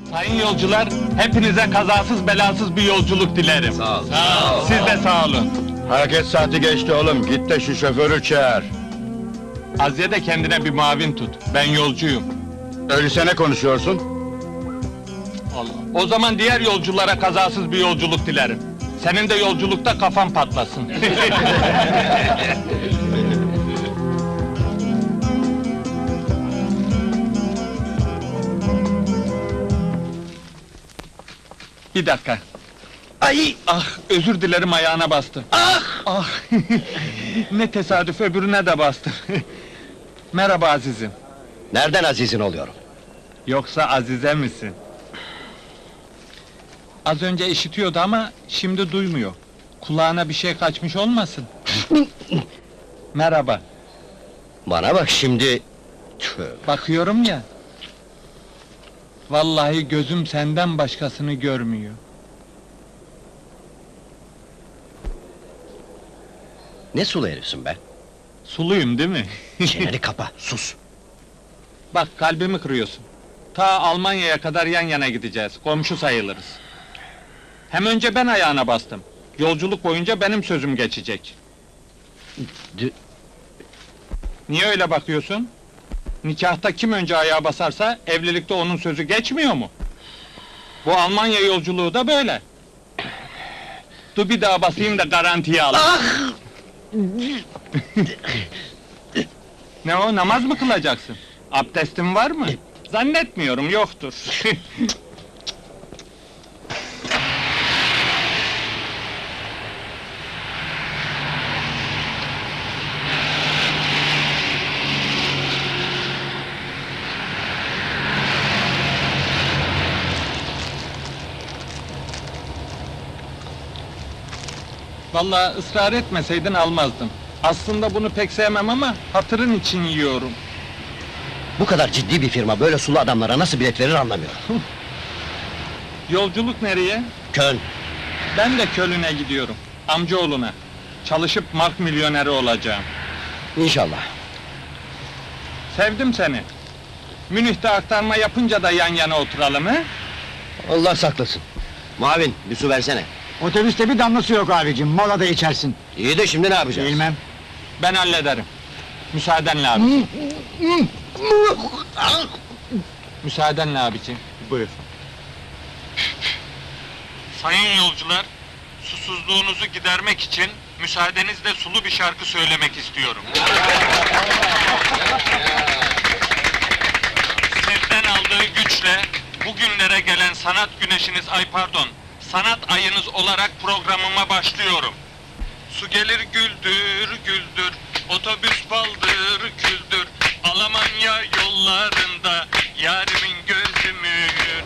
Sayın yolcular, hepinize kazasız belasız bir yolculuk dilerim. Sağ ol. Siz de sağ olun. Hareket saati geçti oğlum, git de şu şoförü çağır. Aziye de kendine bir muavin tut, ben yolcuyum. Öyleyse ne konuşuyorsun? Allah. O zaman diğer yolculara kazasız bir yolculuk dilerim. Senin de yolculukta kafan patlasın. Bir dakika. Ay! Ah, özür dilerim, ayağına bastım. Ah! Ne tesadüf, öbürüne de bastım. Merhaba azizim. Nereden azizin oluyorum? Yoksa Azize misin? Az önce işitiyordu ama şimdi duymuyor. Kulağına bir şey kaçmış olmasın? Merhaba. Bana bak şimdi... Bakıyorum ya. Vallahi gözüm senden başkasını görmüyor. Ne sulu herifsin be? Suluyum değil mi? Çeneni kapa, sus! Bak, kalbimi kırıyorsun. Ta Almanya'ya kadar yan yana gideceğiz, komşu sayılırız. Hem önce ben ayağına bastım. Yolculuk boyunca benim sözüm geçecek. Niye öyle bakıyorsun? Nikahta kim önce ayağa basarsa, evlilikte onun sözü geçmiyor mu? Bu Almanya yolculuğu da böyle. Dur bir daha basayım da garantiye al. Ne o, namaz mı kılacaksın? Abdestin var mı? Zannetmiyorum, yoktur. Vallahi ısrar etmeseydin almazdım. Aslında bunu pek sevmem ama hatırın için yiyorum. Bu kadar ciddi bir firma böyle sulu adamlara nasıl bilet verir anlamıyorum. Yolculuk nereye? Köln! Ben de Köln'e gidiyorum. Amcaoğluna. Çalışıp mark milyoneri olacağım. İnşallah. Sevdim seni. Münih'te aktarma yapınca da yan yana oturalım he? Allah saklasın. Muavin, bir su versene. Otobüste bir damlası yok abicim, molada içersin. İyi de şimdi ne yapacağız? Bilmem. Ben hallederim. Müsaadenle abicim. Müsaadenle abicim. Buyur. Sayın yolcular, susuzluğunuzu gidermek için müsaadenizle sulu bir şarkı söylemek istiyorum. Sizden aldığı güçle bugünlere gelen sanat güneşiniz, sanat ayınız olarak programıma başlıyorum. Su gelir güldür güldür, otobüs baldır küldür, Almanya yollarında yarimin gözü mühür.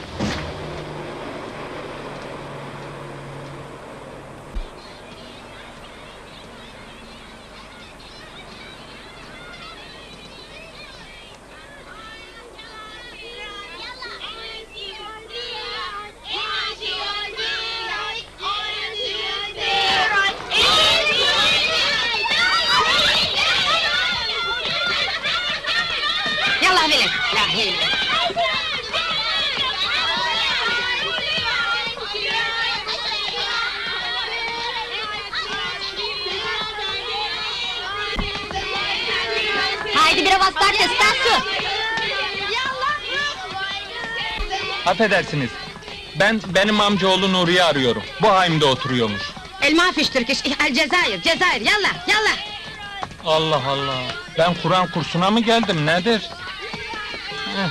يلا هبلت لا هي Haydi bir avazlar Stasu. Affedersiniz, benim amcaoğlu Nuri'yi arıyorum. Bu haimde oturuyormuş. الماء فيش تركش الجزائر جزائر يلا يلا Allah Allah! Ben Kur'an kursuna mı geldim, nedir? Heh.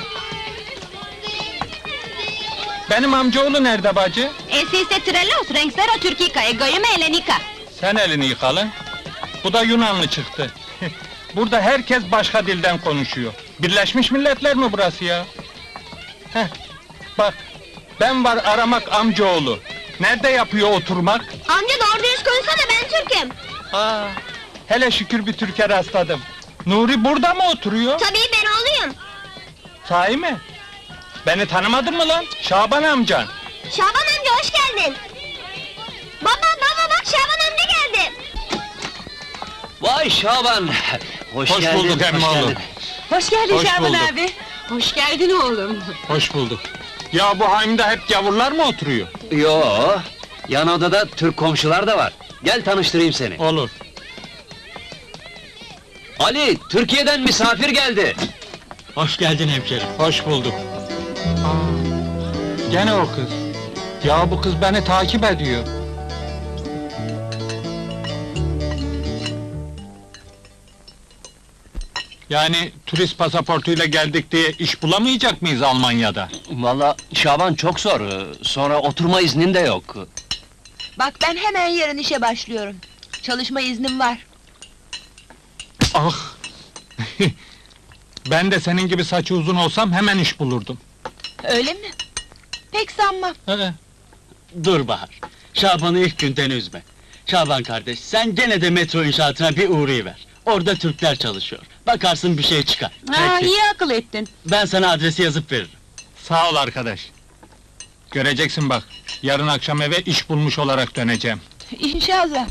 Benim amcaoğlu nerede bacı? Esiste Trellos Renksero Türkika Egoyum Elenika. Sen elini yıkalın. Bu da Yunanlı çıktı. Burada herkes başka dilden konuşuyor. Birleşmiş Milletler mi burası ya? Heh, bak, ben var aramak amcaoğlu. Nerede yapıyor oturmak? Amca doğru dürüst konuşsana ben Türk'üm. Aa, hele şükür bir Türk'e rastladım. Nuri burada mı oturuyor? Tabii ben oğluyum. Sahi mi? Beni tanımadın mı lan? Şaban amcan. Şaban amca hoş geldin. Baba bak Şaban amca geldi. Vay Şaban! Hoş bulduk emmoğlu. Hoş geldin Hoş Şaban bulduk. abi. Hoş geldin oğlum. Hoş bulduk. Ya bu haimde hep gavurlar mı oturuyor? Yo, yan odada Türk komşular da var. Gel tanıştırayım seni. Olur. Ali, Türkiye'den misafir geldi. Hoş geldin hemşerim. Hoş bulduk. Gene o kız. Ya bu kız beni takip ediyor. Yani turist pasaportuyla geldik diye iş bulamayacak mıyız Almanya'da? Vallahi Şaban çok zor. Sonra oturma iznin de yok. Bak ben hemen yarın işe başlıyorum. Çalışma iznim var. Ah! Ben de senin gibi saçı uzun olsam hemen iş bulurdum. Öyle mi? Pek sanmam. Dur Bahar, Şaban'ı ilk günden üzme. Şaban kardeş, sen gene de metro inşaatına bir uğrayıver. Orada Türkler çalışıyor. Bakarsın bir şey çıkar. Ha, iyi akıl ettin. Ben sana adresi yazıp veririm. Sağ ol arkadaş. Göreceksin bak, yarın akşam eve iş bulmuş olarak döneceğim. İnşallah.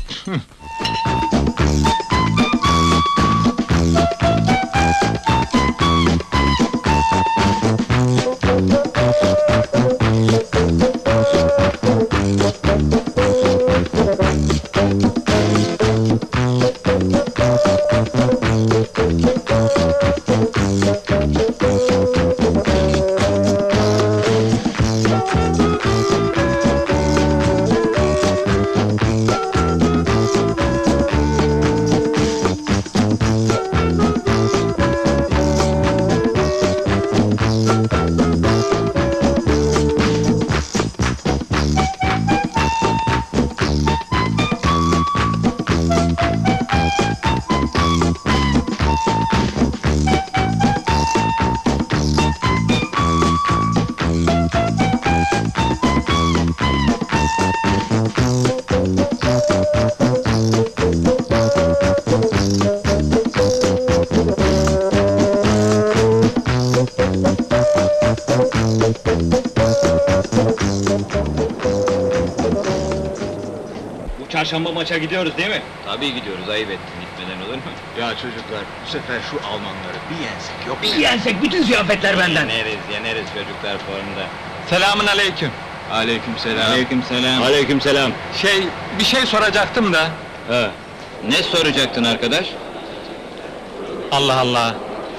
Bu çarşamba maça gidiyoruz değil mi? Tabii gidiyoruz, ayıp ettin, gitmeden olur mu? Ya çocuklar, bu sefer şu Almanları bir yensek yok mu? Bir yensek bütün ziyafetler benden! Yeneriz, çocuklar formda. Selamün aleyküm. Aleykümselam. Aleykümselam. Aleykümselam. Bir şey soracaktım da. Ha. Ne soracaktın arkadaş? Allah Allah.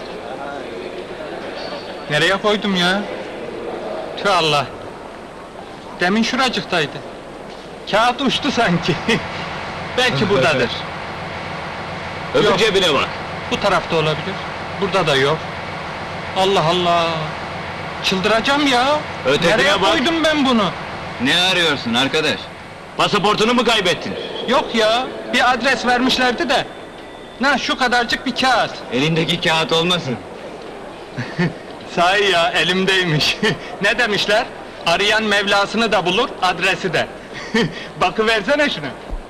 Nereye koydum ya? Tüh Allah. Demin şuracıktaydı. Kağıt uçtu sanki. Belki buradadır. Öbür Yok. cebine bak. Bu tarafta olabilir. Burada da yok. Allah Allah. Çıldıracağım ya. Ötekine Nereye bak. koydum ben bunu? Ne arıyorsun arkadaş? Pasaportunu mu kaybettin? Yok ya. Bir adres vermişlerdi de. Şu kadarcık bir kağıt. Elindeki kağıt olmasın? Sahi ya, elimdeymiş. Ne demişler? Arayan Mevlasını da bulur, adresi de. Bakıversene şuna.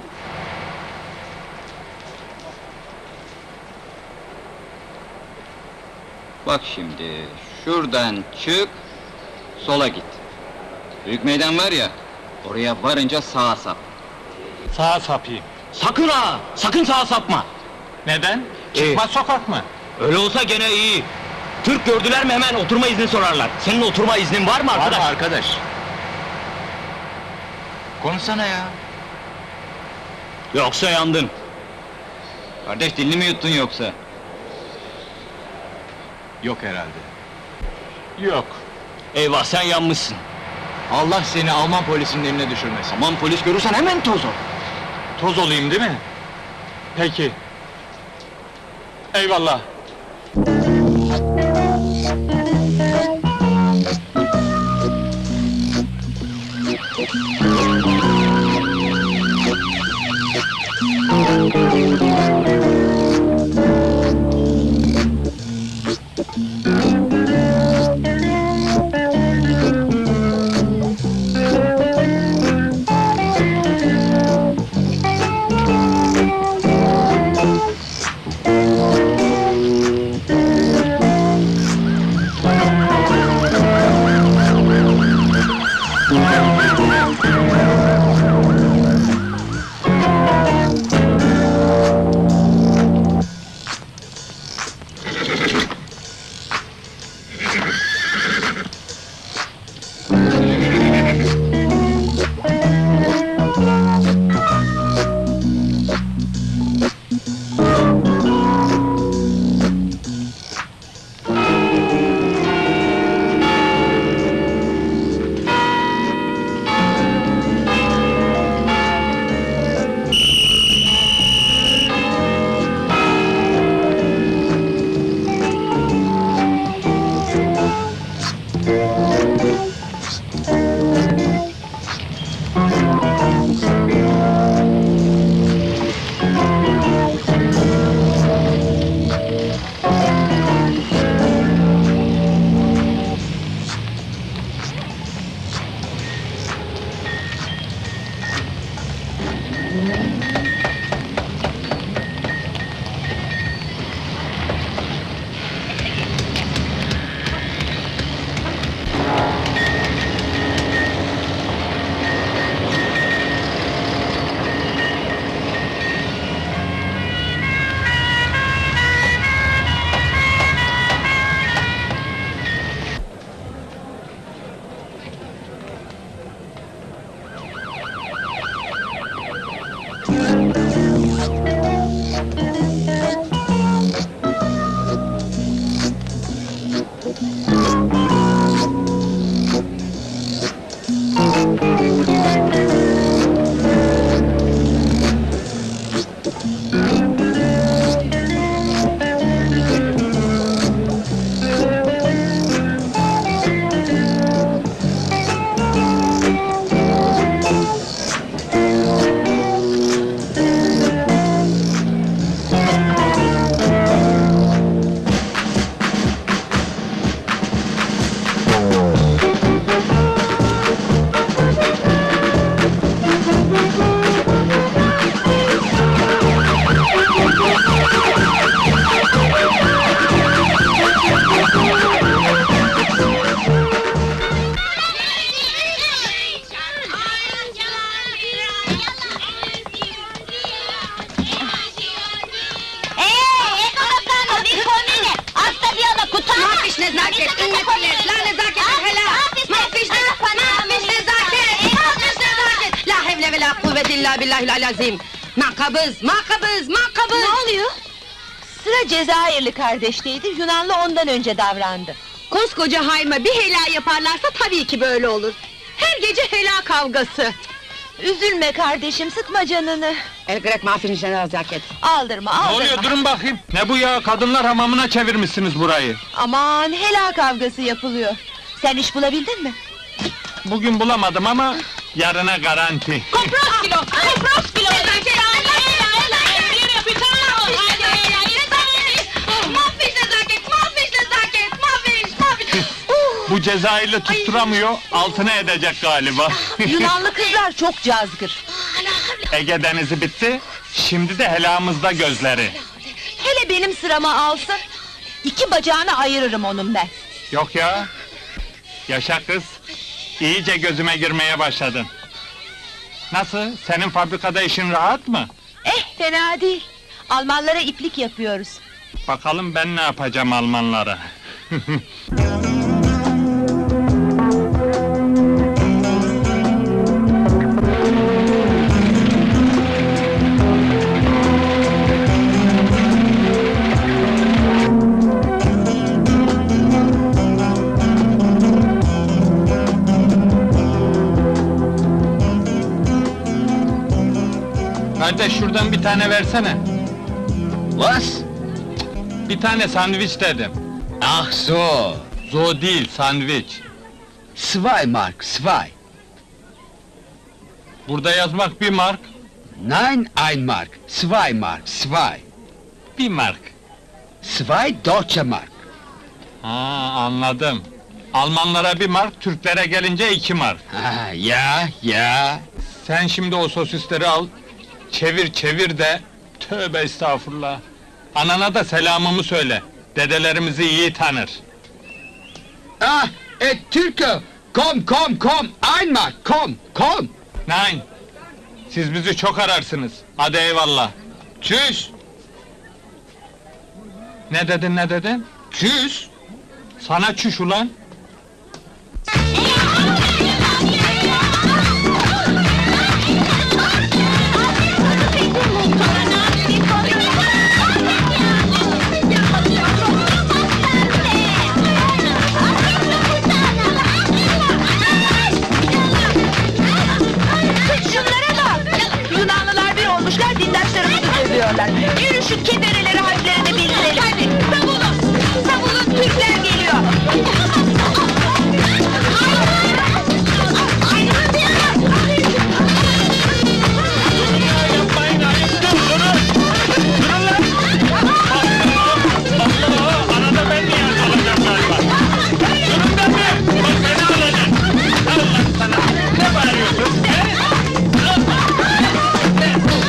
Bak şimdi, şuradan çık, sola git. Büyük meydan var ya, oraya varınca sağa sap. Sağa sapayım. Sakın ha! Sakın sağa sapma! Neden? Çıkmaz sokak mı? Öyle olsa gene iyi. Türk gördüler mi hemen oturma izni sorarlar. Senin oturma iznin var mı arkadaş? arkadaş. Konuşsana ya. Yoksa yandın. Kardeş dilini mi yuttun yoksa? Yok herhalde. Yok. Eyvah sen yanmışsın. Allah seni Alman polisinin eline düşürmesin. Aman polis görürsen hemen toz ol. Toz olayım değil mi? Peki. Eyvallah. Azim. Makabız, makabız, makabız! Ne oluyor? Sıra Cezayirli kardeşteydi, Yunanlı ondan önce davrandı. Koskoca hayma bir hela yaparlarsa tabii ki böyle olur. Her gece hela kavgası. Üzülme kardeşim, sıkma canını. El grek mafinin nezaket. Aldırma, Ne aldırma. oluyor, durun bakayım! Ne bu ya, kadınlar hamamına çevirmişsiniz burayı! Aman, hela kavgası yapılıyor. Sen iş bulabildin mi? Bugün bulamadım ama, yarına garanti! Kopros kilo! Bu Cezayirli tutturamıyor, altına edecek galiba! Yunanlı kızlar çok cazgır. Ege denizi bitti, şimdi de helamızda gözleri! Hele benim sırama alsın, 2 bacağını ayırırım onun ben. Yok ya! Yaşa kız! İyice gözüme girmeye başladın! Nasıl, senin fabrikada işin rahat mı? Fena değil. Almanlara iplik yapıyoruz. Bakalım ben ne yapacağım Almanlara! Kardeş, şuradan bir tane versene! Was? Bir tane sandviç dedim! Ach so! Zo değil, sandviç! 2 Mark, 2. Burada yazmak 1 mark, Nein, 1 Mark, 2 Mark, 2. 1 mark! 2 Deutsche Mark. Ha, anladım! Almanlara 1 mark, Türklere gelince 2 mark! Ha, ya. Sen şimdi o sosisleri al, çevir de... Tövbe estağfurullah! Anana da selamımı söyle, dedelerimizi iyi tanır! Ah, Türke! Komm, 1 Mark, komm! Nein! Siz bizi çok ararsınız, hadi eyvallah! Tschüss! Ne dedin? Tschüss! Sana çüş ulan! Şunlara bak! Yunanlılar bir olmuşlar, dindaşlarımızı dövüyorlar. Yürü şu kebereleri hadlerini bildirelim. Hadi, savunun, Türkler geliyor! Yapmayın, ayıptır, durun! Durun lan! Allah! Arada ben niye alacağım galiba? Durun da bir! Bak beni alacak! Allah sana! Ne bağırıyorsun? He?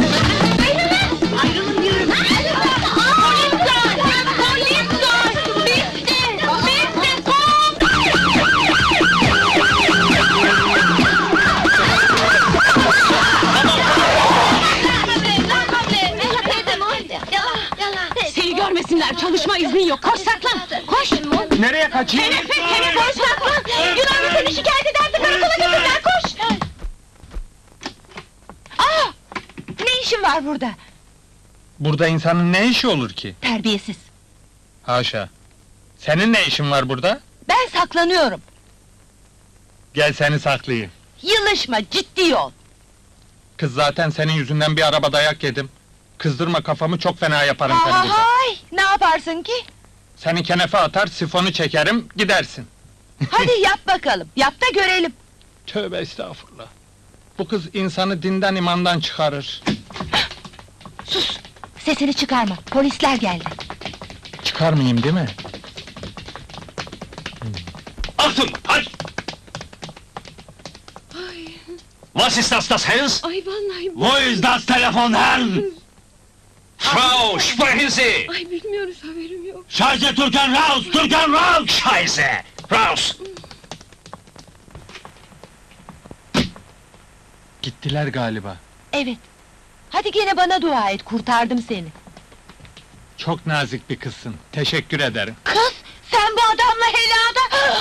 kaçayım? Hemen polis saklan! Yunanlı seni şikayet ederse karakola götürürler, koş! Aa! Ne işin var burada? Burada insanın ne işi olur ki? Terbiyesiz! Haşa! Senin ne işin var burada? Ben saklanıyorum! Gel seni saklayayım. Yılışma, ciddi ol! Kız zaten senin yüzünden bir araba dayak yedim. Kızdırma kafamı, çok fena yaparım seni burada. Hay! Ne yaparsın ki? Seni kenefe atar, sifonu çekerim, gidersin. Hadi yap bakalım, yap da görelim! Tövbe estağfurullah! Bu kız insanı dinden imandan çıkarır. Sus! Sesini çıkarma, polisler geldi! Çıkarmayayım değil mi? Achtung, halt! Was ist das Haus? Ay vallahi... Wo ist das Telefon, Herrn? Frau, sprechen Sie! Ay bilmiyoruz, haberim yok! Scheiße, Türken raus! Türken raus! Scheiße! Raus! Gittiler galiba. Evet! Hadi gene bana dua et, kurtardım seni! Çok nazik bir kızsın, teşekkür ederim. Kız! Sen bu adamla helada...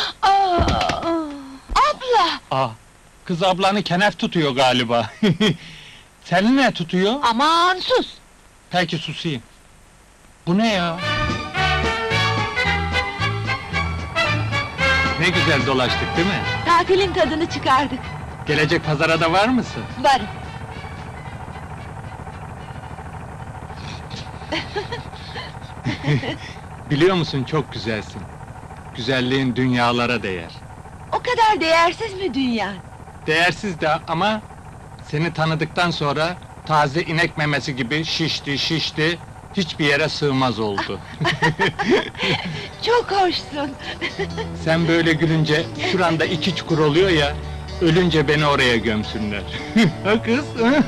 Abla! Kız ablanı kenef tutuyor galiba. Seni ne tutuyor? Aman sus! Peki susayım. Bu ne ya? Ne güzel dolaştık değil mi? Tatilin tadını çıkardık! Gelecek pazara da var mısın? Varım! Biliyor musun, çok güzelsin. Güzelliğin dünyalara değer. O kadar değersiz mi dünya? Değersiz de ama... ...seni tanıdıktan sonra... ...taze inek memesi gibi şişti... ...hiçbir yere sığmaz oldu. Çok hoşsun! Sen böyle gülünce... ...şuranda 2 çukur oluyor ya... ...ölünce beni oraya gömsünler. Ha kız? Ha?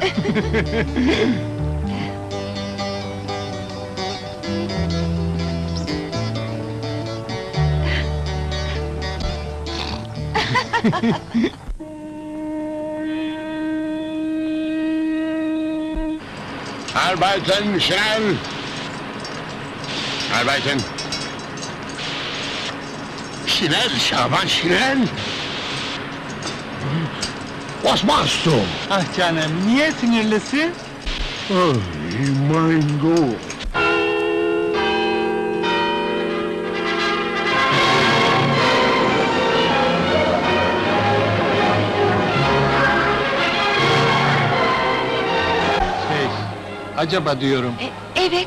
Arbeiten, schnell! Arbeiten! Schnell, Şaban, schnell! Was machst du? Ah canım, niye sinirlisin? Oh, mein Gott! Acaba diyorum, Evet,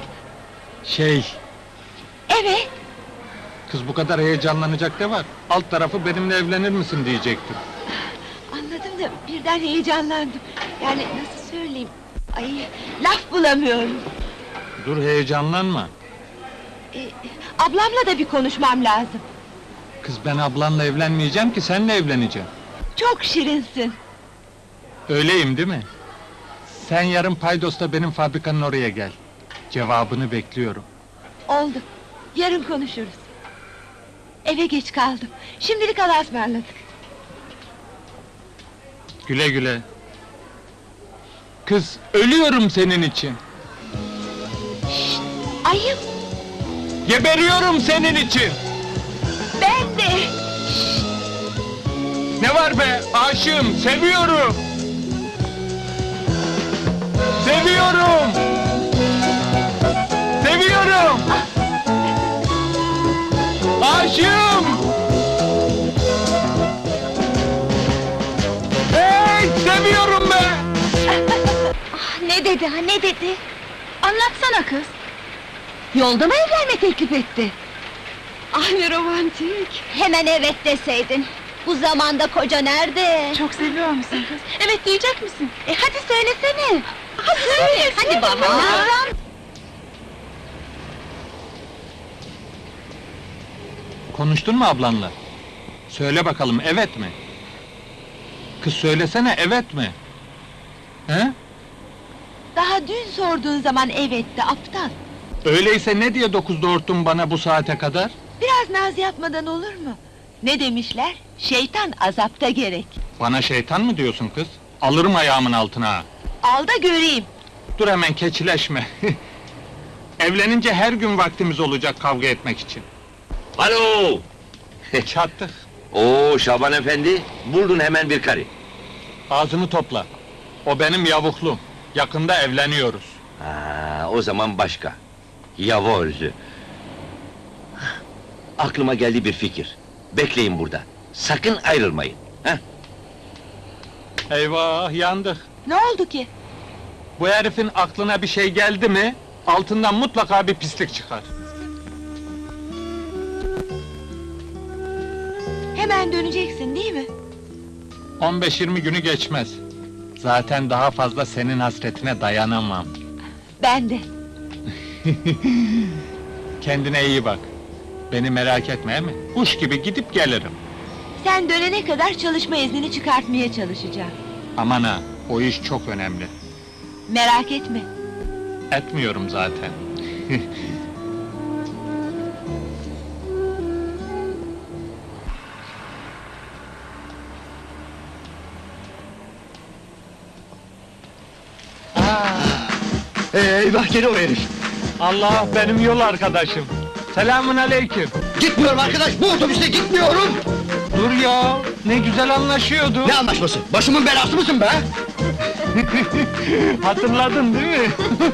evet! kız bu kadar heyecanlanacak ne var? Alt tarafı benimle evlenir misin diyecektim. Anladım da birden heyecanlandım. Yani nasıl söyleyeyim? Ay, laf bulamıyorum. Dur heyecanlanma. Ablamla da bir konuşmam lazım. Kız ben ablanla evlenmeyeceğim ki seninle evleneceğim. Çok şirinsin. Öyleyim değil mi? Sen yarın Paydos'ta benim fabrikanın oraya gel. Cevabını bekliyorum. Oldu. Yarın konuşuruz. Eve geç kaldım. Şimdilik Allah'a ısmarladık. Güle güle. Kız ölüyorum senin için. Ayıp! Geberiyorum senin için. Ben de! Ne var be? Aşığım, seviyorum. Seviyorum! Seviyorum! Aşığım! Hey! Seviyorum be! Ne dedi ha, ne dedi? Anlatsana kız! Yolda mı evlenme teklif etti? Ah ne romantik! Hemen evet deseydin. Bu zamanda koca nerede? Çok seviyor musun kız? Evet diyecek misin? Hadi söylesene! Hadi söyle! Hadi baba! Konuştun mu ablanla? Söyle bakalım, evet mi? Kız söylesene, evet mi? He? Daha dün sorduğun zaman evetti, aptal! Öyleyse ne diye 9'da örttün bana bu saate kadar? Biraz naz yapmadan olur mu? Ne demişler? Şeytan azapta gerek! Bana şeytan mı diyorsun kız? Alırım ayağımın altına ha! Al da göreyim! Dur hemen keçileşme! Evlenince her gün vaktimiz olacak kavga etmek için. Hallo! Çattık. Oo Şaban efendi, buldun hemen bir karı. Ağzını topla. O benim yavuklum. Yakında evleniyoruz. Ha, o zaman başka. Yavoz. Aklıma geldi bir fikir. Bekleyin burada. Sakın ayrılmayın. Heh. Eyvah, yandık. Ne oldu ki? Bu herifin aklına bir şey geldi mi, altından mutlaka bir pislik çıkar. Hemen döneceksin değil mi? 15-20 günü geçmez. Zaten daha fazla senin hasretine dayanamam. Ben de. Kendine iyi bak. Beni merak etme mi? Kuş gibi gidip gelirim. Sen dönene kadar çalışma iznini çıkartmaya çalışacağım. Aman ha, o iş çok önemli. Merak etme. Etmiyorum zaten. Eyvah gene o herif! Allah, benim yol arkadaşım. Selamun aleyküm. Gitmiyorum arkadaş, bu otobüste gitmiyorum! Dur ya, ne güzel anlaşıyorduk. Ne anlaşması? Başımın belası mısın be? Hatırladın değil mi?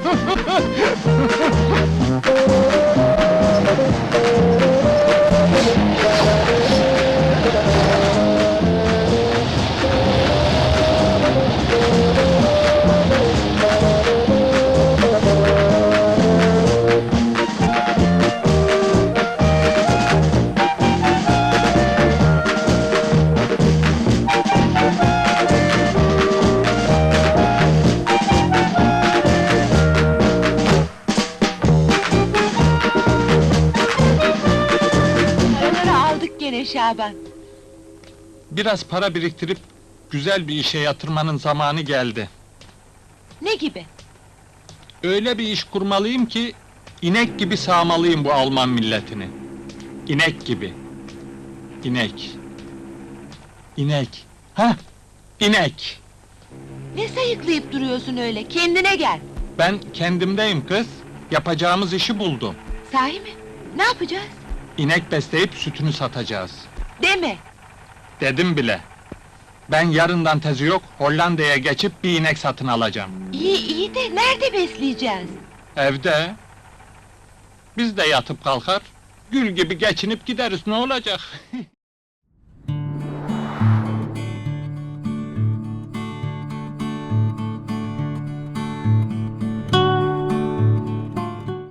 Paraları aldık gene Şaban. Biraz para biriktirip güzel bir işe yatırmanın zamanı geldi. Ne gibi? Öyle bir iş kurmalıyım ki inek gibi sağmalıyım bu Alman milletini. İnek gibi. İnek. İnek. Hah! İnek. Ne sayıklayıp duruyorsun öyle? Kendine gel. Ben kendimdeyim kız. Yapacağımız işi buldum. Sahi mi? Ne yapacağız? İnek besleyip sütünü satacağız. Deme. Dedim bile. Ben yarından tezi yok, Hollanda'ya geçip bir inek satın alacağım. İyi de nerede besleyeceğiz? Evde. Biz de yatıp kalkar, gül gibi geçinip gideriz, ne olacak?